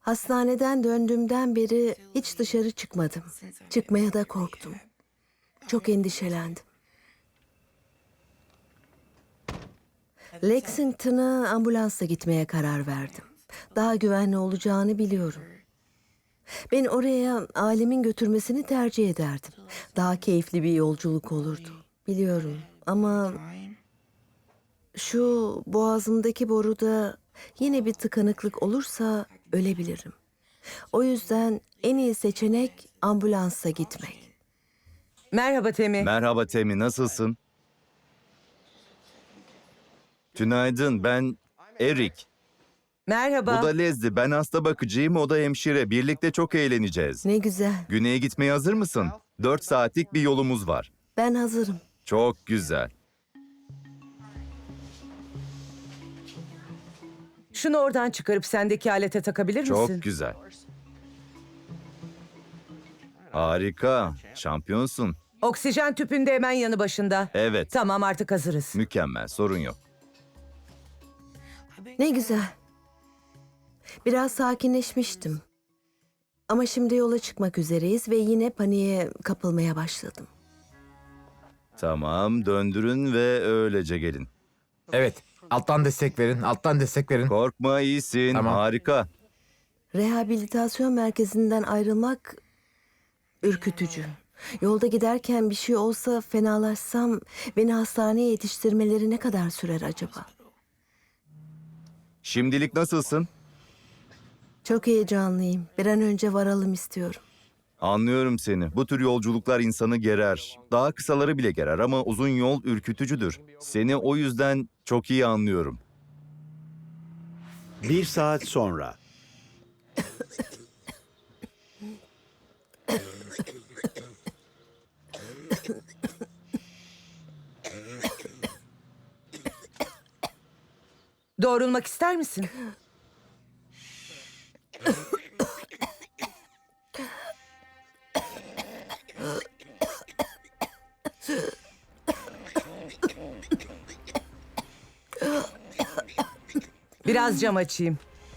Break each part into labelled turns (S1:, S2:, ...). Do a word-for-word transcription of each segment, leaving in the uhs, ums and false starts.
S1: Hastaneden döndüğümden beri hiç dışarı çıkmadım. Çıkmaya da korktum. Çok endişelendim. Lexington'a ambulansla gitmeye karar verdim. Daha güvenli olacağını biliyorum. Beni oraya ailemin götürmesini tercih ederdim. Daha keyifli bir yolculuk olurdu. Biliyorum ama şu boğazımdaki boruda yine bir tıkanıklık olursa ölebilirim. O yüzden en iyi seçenek ambulansa gitmek.
S2: Merhaba Temi.
S3: Merhaba Temi, nasılsın? Günaydın, ben Erik.
S2: Merhaba.
S3: Bu da Lezli, ben hasta bakıcıyım, o da hemşire. Birlikte çok eğleneceğiz.
S1: Ne güzel.
S3: Güney'e gitmeye hazır mısın? Dört saatlik bir yolumuz var.
S1: Ben hazırım.
S3: Çok güzel.
S2: Şunu oradan çıkarıp sendeki alete takabilir
S3: Çok
S2: misin?
S3: güzel. Harika, şampiyonsun.
S2: Oksijen tüpünde hemen yanı başında.
S3: Evet,
S2: Tamam, artık hazırız.
S3: mükemmel, sorun yok.
S1: Ne güzel. Biraz sakinleşmiştim. Ama şimdi yola çıkmak üzereyiz ve yine paniğe kapılmaya başladım.
S3: Tamam, döndürün ve öylece gelin.
S4: Evet. Alttan destek verin. Alttan destek verin.
S3: Korkma, iyisin,
S4: Tamam.
S3: harika.
S1: Rehabilitasyon merkezinden ayrılmak ürkütücü. Yolda giderken bir şey olsa fenalaşsam beni hastaneye yetiştirmeleri ne kadar sürer acaba?
S3: Şimdilik nasılsın?
S1: Çok heyecanlıyım. Bir an önce varalım istiyorum.
S3: Anlıyorum seni. Bu tür yolculuklar insanı gerer. Daha kısaları bile gerer ama uzun yol ürkütücüdür. Seni o yüzden çok iyi anlıyorum.
S5: Bir saat sonra.
S2: Doğrulmak ister misin? Biraz cam açayım.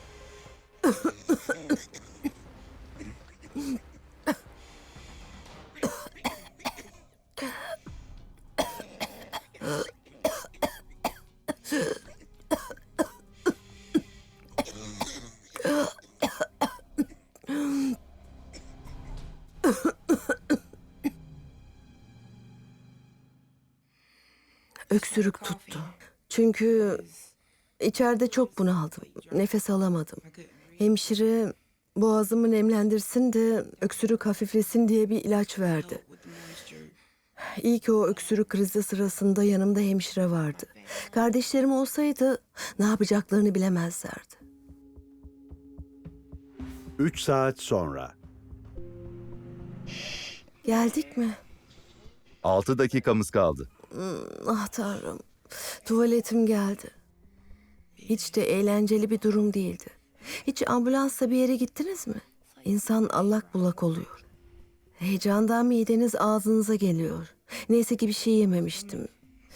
S1: Öksürük tuttu. Çünkü içeride çok bunaldım. Nefes alamadım. Hemşire boğazımı nemlendirsin de öksürük hafiflesin diye bir ilaç verdi. İyi ki o öksürük krizi sırasında yanımda hemşire vardı. Kardeşlerim olsaydı ne yapacaklarını bilemezlerdi.
S5: Üç saat sonra.
S1: Geldik mi?
S3: Altı dakikamız kaldı.
S1: Ah Tanrım. Tuvaletim geldi. Hiç de eğlenceli bir durum değildi. Hiç ambulansla bir yere gittiniz mi? İnsan allak bullak oluyor. Heyecandan mideniz ağzınıza geliyor. Neyse ki bir şey yememiştim.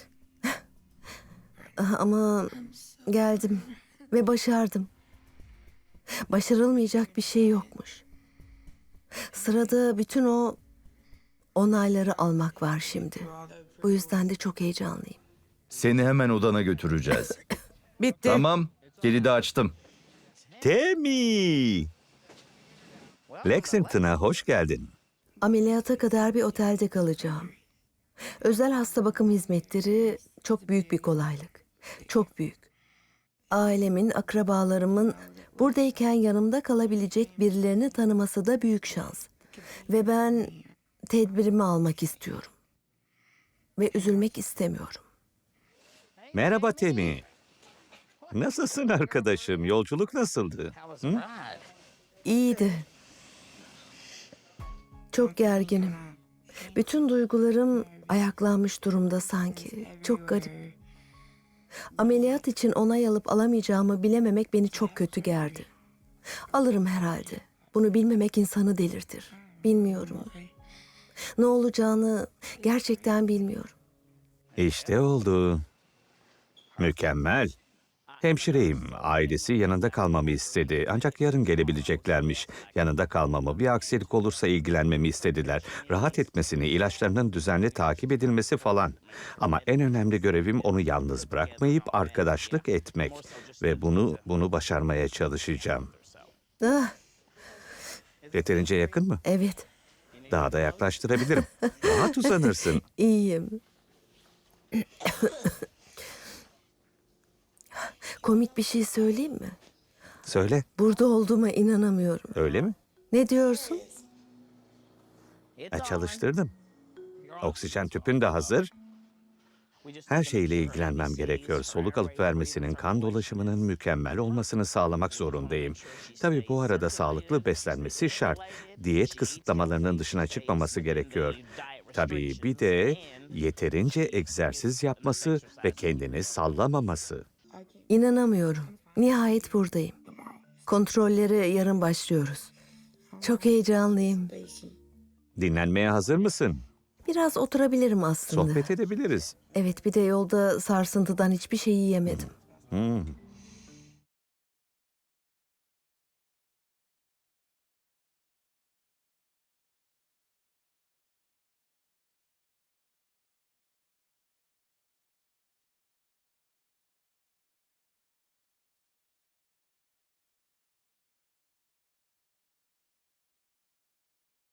S1: Ama geldim ve başardım. Başarılmayacak bir şey yokmuş. Sırada bütün o onayları almak var şimdi. Bu yüzden de çok heyecanlıyım.
S3: Seni hemen odana götüreceğiz.
S2: Bitti.
S3: Tamam, kilidi açtım.
S6: Temi! Lexington'a hoş geldin.
S1: Ameliyata kadar bir otelde kalacağım. Özel hasta bakım hizmetleri çok büyük bir kolaylık. Çok büyük. Ailemin, akrabalarımın buradayken yanımda kalabilecek birilerini tanıması da büyük şans. Ve ben tedbirimi almak istiyorum. Ve üzülmek istemiyorum.
S6: Merhaba Temi. Nasılsın arkadaşım? Yolculuk nasıldı? Hı?
S1: İyiydi. Çok gerginim. Bütün duygularım ayaklanmış durumda sanki. Çok garip. Ameliyat için onay alıp alamayacağımı bilememek beni çok kötü gerdi. Alırım herhalde. Bunu bilmemek insanı delirtir. Bilmiyorum. Ne olacağını gerçekten bilmiyorum.
S6: İşte oldu. Mükemmel. Hemşireyim. Ailesi yanında kalmamı istedi. Ancak yarın gelebileceklermiş. Yanında kalmamı, bir aksilik olursa ilgilenmemi istediler. Rahat etmesini, ilaçlarının düzenli takip edilmesi falan. Ama en önemli görevim onu yalnız bırakmayıp arkadaşlık etmek. Ve bunu, bunu başarmaya çalışacağım.
S1: Ah,
S6: Yeterince yakın mı?
S1: evet,
S6: Daha da yaklaştırabilirim. Rahat uzanırsın.
S1: iyiyim. Komik bir şey söyleyeyim mi?
S6: Söyle,
S1: Burada olduğuma inanamıyorum.
S6: öyle mi?
S1: Ne diyorsun?
S6: Ha, çalıştırdım. Oksijen tüpün de hazır. Her şeyle ilgilenmem gerekiyor. Soluk alıp vermesinin, kan dolaşımının mükemmel olmasını sağlamak zorundayım. Tabii bu arada sağlıklı beslenmesi şart. Diyet kısıtlamalarının dışına çıkmaması gerekiyor. Tabii bir de yeterince egzersiz yapması ve kendini sallamaması.
S1: İnanamıyorum. Nihayet buradayım. Kontrollere yarın başlıyoruz. Çok heyecanlıyım.
S6: Dinlenmeye hazır mısın?
S1: Biraz oturabilirim aslında.
S6: Sohbet edebiliriz.
S1: Evet, bir de yolda sarsıntıdan hiçbir şey yiyemedim.
S6: Hmm.